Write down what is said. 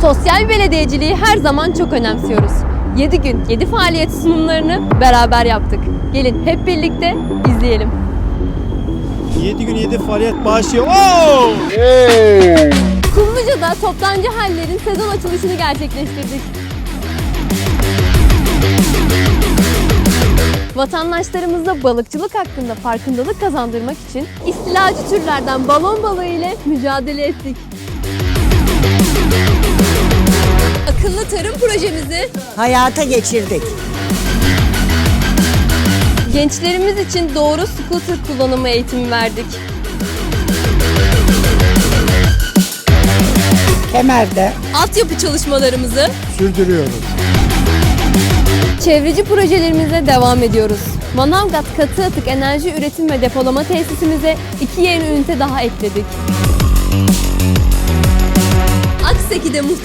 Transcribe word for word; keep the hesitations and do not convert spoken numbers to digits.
Sosyal belediyeciliği her zaman çok önemsiyoruz. yedi gün yedi faaliyet sunumlarını beraber yaptık. Gelin hep birlikte izleyelim. yedi gün yedi faaliyet başlıyor. Oo! Kumluca'da toptancı hallerin sezon açılışını gerçekleştirdik. Vatandaşlarımıza balıkçılık hakkında farkındalık kazandırmak için istilacı türlerden balon balığı ile mücadele ettik. Akıllı tarım projemizi hayata geçirdik. gençlerimiz için doğru scooter kullanımı eğitimi verdik. Kemer'de Altyapı çalışmalarımızı Sürdürüyoruz. çevreci projelerimize devam ediyoruz. Manavgat Katı Atık Enerji Üretim ve Depolama Tesisimize iki yeni ünite daha ekledik. Akseki'de